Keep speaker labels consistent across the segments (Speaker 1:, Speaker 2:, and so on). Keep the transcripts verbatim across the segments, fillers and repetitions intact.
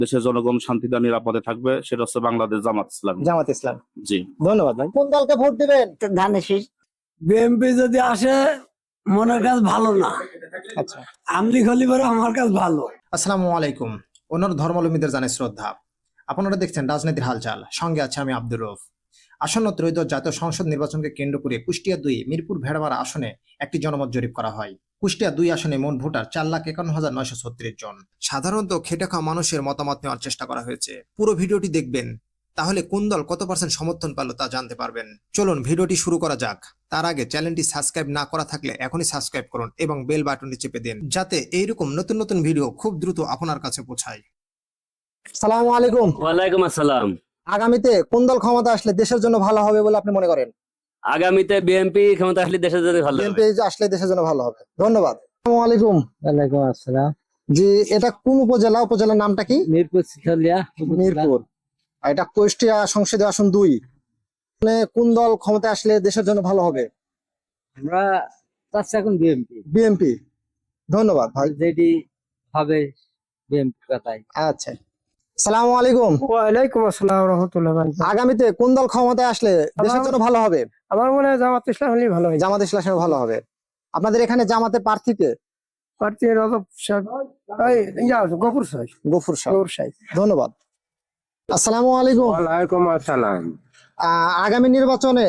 Speaker 1: দেশের জনগণ শান্তিতে নিরাপদে থাকবে, সেটা হচ্ছে বাংলাদেশ জামাত ইসলাম।
Speaker 2: জামাত ইসলাম।
Speaker 1: জি,
Speaker 2: ধন্যবাদ ভাই। কোন দলকে ভোট দিবেন?
Speaker 3: ধানের শীষ।
Speaker 4: বিএনপি যদি আসে মনের কাজ ভালো না,
Speaker 2: আচ্ছা,
Speaker 4: আমলি খলি পরে আমার কাজ ভালো।
Speaker 2: আসসালামু আলাইকুম। অন্যান্য ধর্মাবলম্বীদের জানাই শ্রদ্ধা। আপনারা দেখছেন রাজনীতির হালচাল, সঙ্গে আছে আমি আব্দুর রউফ। আসন্ন ত্রয়োদশ জাতীয় সংসদ নির্বাচনকে কেন্দ্র করে কুষ্টিয়া দুই মিরপুর ভেড়ামারা আসনে একটি জনমত জরিপ করা হয়। কুষ্টিয়া দুই আসনে মোট ভোটার চার লাখ একান্ন হাজার নয়শো ছত্রিশ জন। সাধারণত খেটে খাওয়া মানুষের মতামত নেওয়ার চেষ্টা করা হয়েছে। পুরো ভিডিওটি দেখবেন, তাহলে কোন দল কত পার্সেন্ট সমর্থন পেল তা জানতে পারবেন। চলুন ভিডিওটি শুরু করা যাক। তার আগে চ্যানেলটি সাবস্ক্রাইব না করা থাকলে এখনই সাবস্ক্রাইব করুন এবং বেল বাটনটি চেপে দিন, যাতে এইরকম নতুন নতুন ভিডিও খুব দ্রুত আপনার কাছে পৌঁছায়। সালামু আলাইকুম।
Speaker 5: ওয়ালাইকুম আসসালাম।
Speaker 2: আগামীতে কোন দল ক্ষমতা আসলে দেশের জন্য ভালো হবে বলে আপনি মনে করেন?
Speaker 5: আগামীতে বিএনপি ক্ষমতা আসলে দেশের জন্য ভালো হবে।
Speaker 2: বিএনপি আসলে দেশের জন্য ভালো হবে। ধন্যবাদ। আসসালামু আলাইকুম।
Speaker 4: ওয়ালাইকুম আসসালাম।
Speaker 2: জি, এটা কোন উপজেলা? উপজেলার নামটা কি?
Speaker 4: মিরপুর শিখালিয়া।
Speaker 2: মিরপুর। আর এটা কুষ্টিয়া সংসদীয় আসন দুই। মানে কোন দল ক্ষমতা আসলে দেশের জন্য ভালো হবে?
Speaker 4: আমরা চাচ্ছি এখন বিএনপি।
Speaker 2: বিএনপি। ধন্যবাদ ভাই।
Speaker 4: যেটি হবে বিএনপি কথাই।
Speaker 2: আচ্ছা, সালামু আলাইকুম।
Speaker 6: ওয়ালাইকুম আসসালাম রহমতুল্লাহ।
Speaker 2: আগামীতে কোন দল ক্ষমতায় আসলে দেশের জন্য ভালো হবে?
Speaker 6: আমার মনে হয় জামাত ইসলাম হলেই ভালো হয়।
Speaker 2: জামাত ইসলাম ভালো হবে। আপনাদের এখানে জামাতে প্রার্থীকে?
Speaker 6: প্রার্থী রজব সাহেব, এই ইয়া গফুর সাহেব।
Speaker 2: গফুর সাহেব।
Speaker 6: গফুর সাহেব।
Speaker 2: ধন্যবাদ। আসসালামু আলাইকুম।
Speaker 6: ওয়ালাইকুম আসসালাম।
Speaker 2: আহ, আগামী নির্বাচনে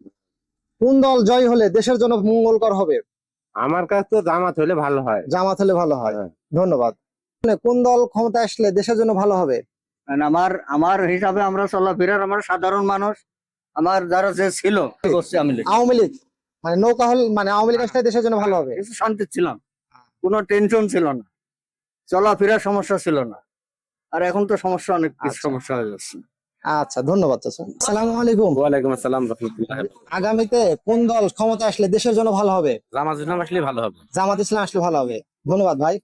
Speaker 2: কোন দল জয় হলে দেশের জন্য মঙ্গলকর হবে?
Speaker 6: আমার কাছে তো জামাত হলে ভালো হয়।
Speaker 2: জামাত হলে ভালো হয়। ধন্যবাদ। মানে কোন দল ক্ষমতা আসলে দেশের জন্য ভালো হবে?
Speaker 3: আমার আমার হিসাবে আমরা চলাফেরার আমার সাধারণ মানুষ, আমার যারা যে ছিল করছে আমি
Speaker 2: আওয়ামী লীগ। মানে নৌকা হল মানে আওয়ামী লীগ আসলে দেশের জন্য ভালো হবে।
Speaker 3: কিছু শান্তি ছিলাম, কোনো টেনশন ছিল না, চলাফেরার সমস্যা ছিল না। আর এখন তো সমস্যা, অনেক কিছু
Speaker 2: আচ্ছা।
Speaker 3: সমস্যা হয়ে যাচ্ছে।
Speaker 2: আচ্ছা, ধন্যবাদ চাচা। আসসালামু আলাইকুম।
Speaker 5: ওয়ালাইকুম আসসালাম রাহমাতুল্লাহ।
Speaker 2: আগামীতে কোন দল ক্ষমতা আসলে দেশের জন্য ভালো হবে?
Speaker 5: জামাত ইসলাম আসলে ভালো হবে।
Speaker 2: জামাত ইসলাম আসলে ভালো হবে। ধন্যবাদ ভাই।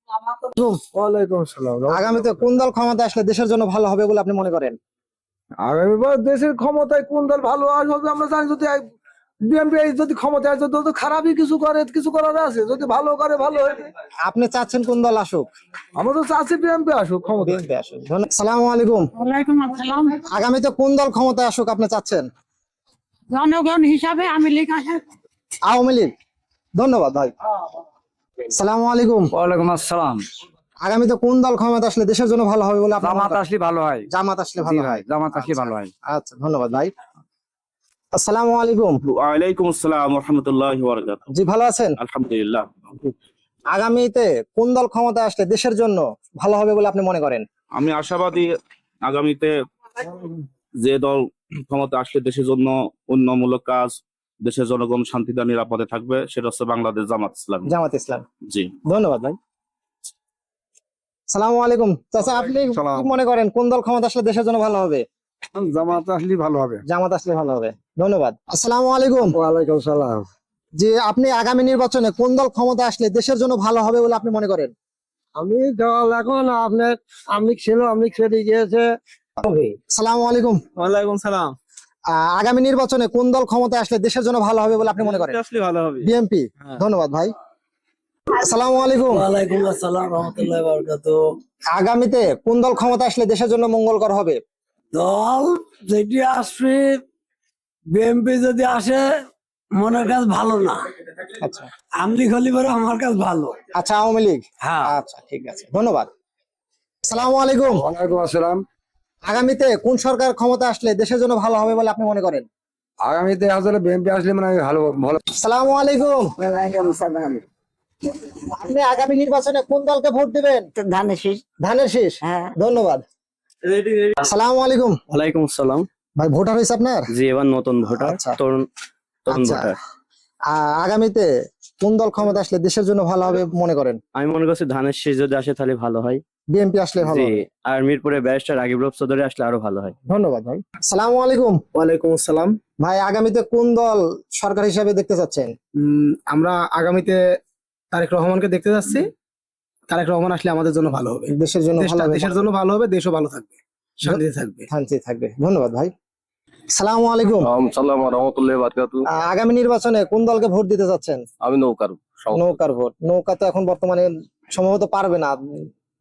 Speaker 6: ওয়ালাইকুম আসসালাম।
Speaker 2: আগামীতে কোন দল ক্ষমতা আসলে দেশের জন্য ভালো হবে বলে আপনি মনে করেন?
Speaker 6: আগামীবার দেশের ক্ষমতায় কোন দল ভালো আসবে আমরা জানি। যদি বিএনপি যদি ক্ষমতায় আসে তো খারাপই কিছু করে, কিছু করার আছে। যদি ভালো করে ভালো হবে।
Speaker 2: আপনি চাচ্ছেন কোন দল আসুক?
Speaker 6: আমরা তো চাচ্ছি বিএনপি আসুক ক্ষমতায়।
Speaker 2: বিএনপি আসুক। ধন্যবাদ। আসসালামু আলাইকুম।
Speaker 7: ওয়ালাইকুম আসসালাম।
Speaker 2: আগামীতে কোন দল ক্ষমতায় আসুক আপনি চাচ্ছেন?
Speaker 7: জনগণ হিসাবে আমি লীগ আসে।
Speaker 2: আওয়ামী লীগ। ধন্যবাদ ভাই। আসসালামু আলাইকুম।
Speaker 4: ওয়ালাইকুম আসসালাম।
Speaker 2: আগামীতে কোন দল ক্ষমতা আসলে দেশের জন্য ভালো হবে বলে আপনি মনে
Speaker 4: জামাত
Speaker 2: করেন?
Speaker 4: আসলে ভালো হয়।
Speaker 2: জামাত আসলে ভালো হয়।
Speaker 4: জামাত আসলে ভালো হয়।
Speaker 2: আচ্ছা, ধন্যবাদ ভাই। আসসালামু আলাইকুম।
Speaker 1: ওয়ালাইকুম আসসালাম রাহমাতুল্লাহি ওয়া বারাকাতুহু।
Speaker 2: জি, ভালো আছেন?
Speaker 1: আলহামদুলিল্লাহ।
Speaker 2: আগামীতে কোন দল ক্ষমতা আসলে দেশের জন্য ভালো হবে বলে আপনি মনে করেন?
Speaker 1: আমি আশাবাদী আগামীতে যে দল ক্ষমতা আসলে দেশের জন্য উন্নয়নমূলক কাজ, দেশের জনগণ শান্তিতে নিরাপদে থাকবে, সেটা হচ্ছে বাংলাদেশ জামাত ইসলাম।
Speaker 2: জামাত ইসলাম।
Speaker 1: জি,
Speaker 2: ধন্যবাদ ভাই। সালামু আলাইকুম চাচা, আপনি কি মনে করেন কোন দল ক্ষমতা আসলে দেশের জন্য ভালো হবে?
Speaker 6: জামাত আসলে ভালো হবে।
Speaker 2: জামাত আসলে ভালো হবে। ধন্যবাদ। আসসালামু আলাইকুম।
Speaker 6: ওয়ালাইকুম সালাম।
Speaker 2: জি, আপনি আগামী নির্বাচনে কোন দল ক্ষমতা আসলে দেশের জন্য ভালো হবে বলে আপনি মনে করেন?
Speaker 6: আমি দল এখন আপনার আমি ছিল আমি ছেড়ে গিয়েছে।
Speaker 2: আসসালামু আলাইকুম।
Speaker 8: ওয়ালাইকুম সালাম।
Speaker 2: আহ, আগামী নির্বাচনে কোন দল ক্ষমতা আসলে দেশের জন্য ভালো হবে বলে আপনি মনে করেন?
Speaker 8: আসলে ভালো হবে।
Speaker 2: বিএনপি। ধন্যবাদ ভাই। আসসালামু আলাইকুম।
Speaker 4: ওয়ালাইকুম আসসালাম রহমতুল্লাহ বারাকাতুহু।
Speaker 2: আগামীতে কোন দল ক্ষমতা আসলে দেশের জন্য মঙ্গলকর হবে?
Speaker 4: দল যেটি আসবে বিএনপি যদি আসে মনের কাজ ভালো না,
Speaker 2: আচ্ছা।
Speaker 4: আমলি খলি পরে আমার কাজ ভালো।
Speaker 2: আচ্ছা, আওয়ামী লীগ।
Speaker 4: হ্যাঁ।
Speaker 2: আচ্ছা, ঠিক আছে, ধন্যবাদ। আসসালামু আলাইকুম।
Speaker 6: ওয়ালাইকুম আসসালাম।
Speaker 2: আগামীতে কোন সরকার ক্ষমতা আসলে দেশের জন্য ভালো হবে বলে আপনি মনে করেন?
Speaker 6: আগামীতে আসলে বিএনপি আসলে মানে ভালো ভালো।
Speaker 2: আসসালামু আলাইকুম।
Speaker 3: ওয়ালাইকুম সালাম।
Speaker 2: আপনি আগামী নির্বাচনে কোন দলকে ভোট দিবেন?
Speaker 3: ধানের শীষ।
Speaker 2: ধানের শীষ।
Speaker 3: হ্যাঁ।
Speaker 2: ধন্যবাদ। আসসালামু আলাইকুম।
Speaker 5: ওয়ালাইকুম আসসালাম।
Speaker 2: ভাই, ভোটার হয়েছে আপনার?
Speaker 5: জি, এবার নতুন ভোটার,
Speaker 2: আচ্ছা।
Speaker 5: তরুণ তরুণ
Speaker 2: আচ্ছা।
Speaker 5: ভোটার।
Speaker 2: আহ, আগামীতে কোন দল ক্ষমতা আসলে দেশের জন্য ভালো হবে মনে করেন?
Speaker 5: আমি মনে করছি ধানের শীষ যদি আসে তাহলে ভালো হয়।
Speaker 2: বিএনপি আসলে ভালো
Speaker 5: জি,
Speaker 2: হবে।
Speaker 5: আর মিরপুরে ব্যারিস্টার রাগিব রফ চৌধুরী আসলে আরো ভালো হয়।
Speaker 2: ধন্যবাদ ভাই। আসসালামু আলাইকুম।
Speaker 8: ওয়ালাইকুম আসসালাম।
Speaker 2: ভাই, আগামীতে কোন দল সরকার হিসাবে দেখতে চাচ্ছেন?
Speaker 8: উম, আমরা আগামীতে তারেক রহমানকে দেখতে যাচ্ছি। তারেক রহমান আসলে আমাদের জন্য ভালো হবে।
Speaker 2: দেশের জন্য ভালো
Speaker 8: দেশটা
Speaker 2: হবে।
Speaker 8: দেশের জন্য ভালো হবে, দেশও ভালো থাকবে, শান্তিতে থাকবে।
Speaker 2: শান্তি থাকবে। ধন্যবাদ ভাই। আসসালামু আলাইকুম।
Speaker 9: সালাম রহমতুল্লাহ বারকাতু।
Speaker 2: আহ, আগামী নির্বাচনে কোন দলকে ভোট দিতে চাচ্ছেন?
Speaker 9: আমি নৌকার
Speaker 2: নৌকার ভোট। নৌকা তো এখন বর্তমানে সম্ভবত পারবে না।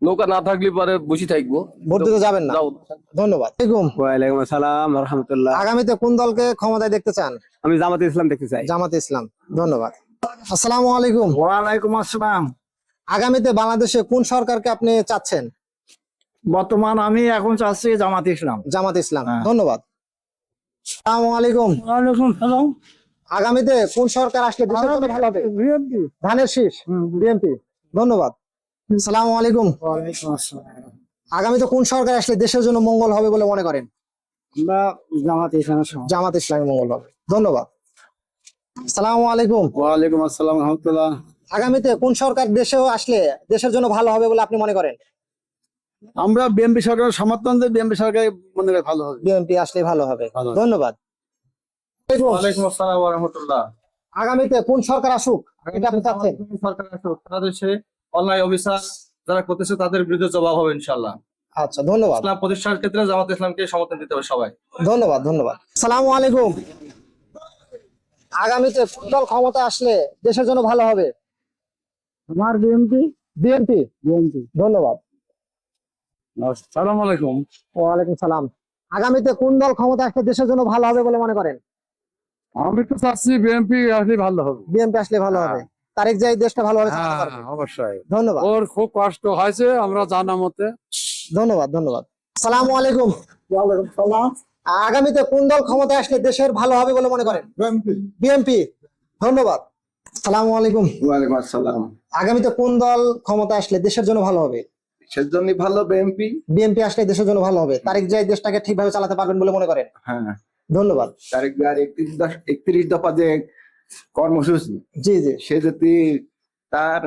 Speaker 9: নৌকা না থাকলে পরে বসে থাকবো।
Speaker 2: ভোট দিতে যাবেন না?
Speaker 9: যাও।
Speaker 2: ধন্যবাদ। আসসালামু
Speaker 8: ওয়ালাইকুম আসসালাম রহমতুল্লাহ।
Speaker 2: আগামীতে কোন দলকে ক্ষমতায় দেখতে চান?
Speaker 8: আমি জামাতে ইসলাম দেখতে চাই।
Speaker 2: জামাতে ইসলাম। ধন্যবাদ। আসসালামু আলাইকুম।
Speaker 3: ওয়ালাইকুম আসসালাম।
Speaker 2: আগামীতে বাংলাদেশে কোন সরকারকে আপনি চাচ্ছেন?
Speaker 3: বর্তমান আমি এখন চাচ্ছি জামাত ইসলাম।
Speaker 2: জামাত ইসলাম। ধন্যবাদ। আসসালামু আলাইকুম।
Speaker 4: ওয়ালাইকুম সালাম।
Speaker 2: আগামীতে কোন সরকার আসলে দেশের জন্য ভালো হবে?
Speaker 4: বিএনপি।
Speaker 2: ধানের শীষ, বিএনপি। ধন্যবাদ। আসসালামু আলাইকুম।
Speaker 3: ওয়ালাইকুম আসসালাম।
Speaker 2: আগামীতে কোন সরকার আসলে দেশের জন্য মঙ্গল হবে বলে মনে করেন?
Speaker 3: আমরা জামাত ইসলাম।
Speaker 2: জামাত ইসলামী মঙ্গল হবে। ধন্যবাদ। আসসালামু আলাইকুম।
Speaker 3: ওয়ালাইকুম আসসালাম রহমতুল্লাহ।
Speaker 2: আগামীতে কোন সরকার দেশেও আসলে দেশের জন্য ভালো হবে বলে আপনি মনে করেন?
Speaker 3: আমরা বিএনপি সরকারের সমর্থন দিয়ে বিএনপি সরকার মনে হয় ভালো হবে।
Speaker 2: বিএনপি আসলে ভালো হবে। ধন্যবাদ।
Speaker 9: ওয়ালাইকুম আসসালাম ওয়া রাহমাতুল্লাহ।
Speaker 2: আগামীতে কোন সরকার আসুক এটা আপনি চাচ্ছেন?
Speaker 9: সরকার আসুক, সারা দেশে অন্যায় অবিচার যারা করতেছে তাদের বিরুদ্ধে জবাব হবে ইনশাআল্লাহ।
Speaker 2: আচ্ছা, ধন্যবাদ।
Speaker 9: ইসলাম প্রতিষ্ঠার ক্ষেত্রে জামাত ইসলামকে সমর্থন দিতে হবে সবাই।
Speaker 2: ধন্যবাদ। ধন্যবাদ। আসসালামু আলাইকুম। আগামীতে কোন দল ক্ষমতা আসলে দেশের জন্য ভালো হবে?
Speaker 3: আমার বিএনপি।
Speaker 2: বিএনপি।
Speaker 3: বিএনপি।
Speaker 2: ধন্যবাদ।
Speaker 9: আসসালামু আলাইকুম।
Speaker 2: ওয়ালাইকুম সালাম। আগামীতে কোন দল ক্ষমতা আসলে দেশের জন্য ভালো হবে বলে মনে করেন?
Speaker 9: আমি তো চাচ্ছি বিএনপি আসলে ভালো হবে।
Speaker 2: বিএনপি আসলে ভালো হবে। তারেক জিয়া এই দেশটা ভালোভাবে চালাতে পারবে।
Speaker 9: অবশ্যই।
Speaker 2: ধন্যবাদ।
Speaker 9: ওর খুব কষ্ট হয়েছে আমরা জানা মতে।
Speaker 2: ধন্যবাদ। ধন্যবাদ। আসসালামু আলাইকুম।
Speaker 3: ওয়ালাইকুম সালাম।
Speaker 2: আগামীতে কোন দল ক্ষমতায় আসলে দেশের ভালো হবে বলে মনে করেন?
Speaker 3: বিএনপি।
Speaker 2: বিএনপি। ধন্যবাদ। আসসালামু আলাইকুম।
Speaker 3: ওয়ালাইকুম আসসালাম।
Speaker 2: আগামীতে কোন দল ক্ষমতায় আসলে দেশের জন্য ভালো হবে?
Speaker 3: সেজন্য ভালো বিএনপি।
Speaker 2: বিএনপি আসলে দেশের জন্য ভালো হবে। তারেক জিয়া এই দেশটাকে ঠিকভাবে চালাতে পারবেন বলে মনে করেন?
Speaker 3: হ্যাঁ।
Speaker 2: ধন্যবাদ।
Speaker 3: তারেক জিয়ার একত্রিশ দশ- একত্রিশ দফা যে কর্মসূচি,
Speaker 2: জি জি
Speaker 3: সে যদি তার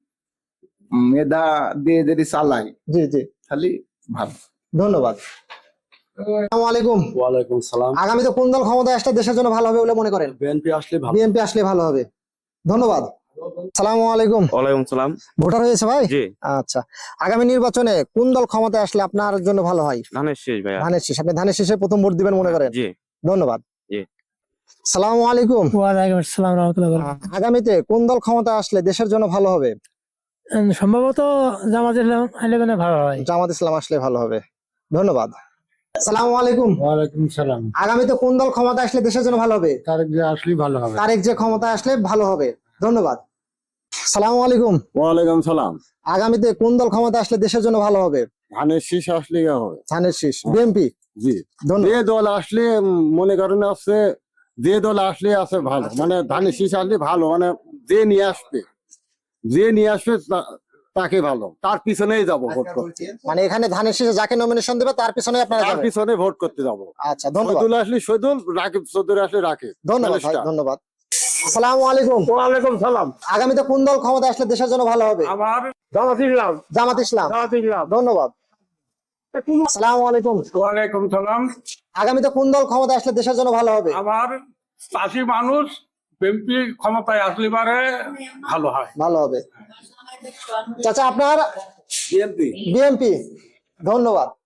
Speaker 3: মেধা দিয়ে যদি চালায়
Speaker 2: জি জি
Speaker 3: খালি ভালো।
Speaker 2: ধন্যবাদ। আসসালামু আলাইকুম।
Speaker 9: ওয়ালাইকুম সালাম।
Speaker 2: আগামীতে কোন দল ক্ষমতায় আসলে দেশের জন্য ভালো হবে বলে মনে করেন?
Speaker 9: বিএনপি আসলে ভালো।
Speaker 2: বিএনপি আসলে ভালো হবে। ধন্যবাদ। আসসালামু আলাইকুম।
Speaker 5: ওয়ালাইকুম সালাম।
Speaker 2: ভোটার হয়েছে ভাই?
Speaker 5: জি।
Speaker 2: আচ্ছা, আগামী নির্বাচনে কোন দল ক্ষমতায় আসলে আপনার জন্য ভালো হয়?
Speaker 5: ধানের শীষ ভাইয়া।
Speaker 2: ধানের শীষ। আপনি ধানের শীষে প্রথম ভোট দিবেন মনে করেন?
Speaker 5: জি।
Speaker 2: ধন্যবাদ।
Speaker 5: জি।
Speaker 2: সালামু আলাইকুম।
Speaker 4: ওয়ালাইকুম আসসালাম রহমতুল্লাহ।
Speaker 2: আগামীতে কোন দল ক্ষমতা আসলে দেশের জন্য ভালো হবে?
Speaker 4: সম্ভবত জামাত ইসলাম আইলে কোনো ভালো হয়।
Speaker 2: জামাত ইসলাম আসলে ভালো হবে। ধন্যবাদ। সালামু আলাইকুম।
Speaker 3: ওয়ালাইকুম সালাম।
Speaker 2: আগামীতে কোন দল ক্ষমতা আসলে দেশের জন্য ভালো হবে?
Speaker 3: তারেক জিয়া আসলে ভালো হবে।
Speaker 2: তারেক যে ক্ষমতা আসলে ভালো হবে। ধন্যবাদ। সালামু আলাইকুম।
Speaker 3: ওয়ালাইকুম সালাম।
Speaker 2: আগামীতে কোন দল ক্ষমতা আসলে দেশের জন্য ভালো হবে?
Speaker 3: ধানের শীষ আসলে হবে।
Speaker 2: ধানের শীষ। বিএনপি।
Speaker 3: জি।
Speaker 2: ধন্যবাদ।
Speaker 3: যে দল আসলে উম, মনে করেন আছে, যে দল আসলে আছে ভালো, মানে ধানের শীষ আসলে ভালো, মানে যে নিয়ে আসবে যে নিয়ে আসবে তা- তাকে ভালো, তার পিছনেই যাবো ভোট করতে।
Speaker 2: মানে এখানে ধানের শীষে যাকে নমিনেশন দেবে তার পিছনে আপনারা
Speaker 3: তার
Speaker 2: যাবেন।
Speaker 3: পিছনে ভোট করতে যাবো।
Speaker 2: আচ্ছা, ধন্যবাদ।
Speaker 3: শহীদুল আসলে শহীদুল, রাকিব চৌধুরী আসলে রাকিব।
Speaker 2: ধন্যবাদ ভাই, ধন্যবাদ। আসসালামু আলাইকুম।
Speaker 3: ওয়ালাইকুম সালাম।
Speaker 2: আগামীতে কোন দল ক্ষমতা আসলে দেশের জন্য ভালো হবে?
Speaker 3: আমার জামাত ইসলাম।
Speaker 2: জামাত ইসলাম।
Speaker 3: জামাত ইসলাম।
Speaker 2: ধন্যবাদ। আসসালামু আলাইকুম।
Speaker 3: ওয়ালাইকুম সালাম।
Speaker 2: আগামীতে কোন দল ক্ষমতা আসলে দেশের জন্য ভালো হবে?
Speaker 3: আমার চাষি মানুষ, বিএনপি ক্ষমতায় আসলে পারে ভালো হয়।
Speaker 2: ভালো হবে। চাচা আপনার?
Speaker 3: বিএনপি।
Speaker 2: বিএনপি। ধন্যবাদ।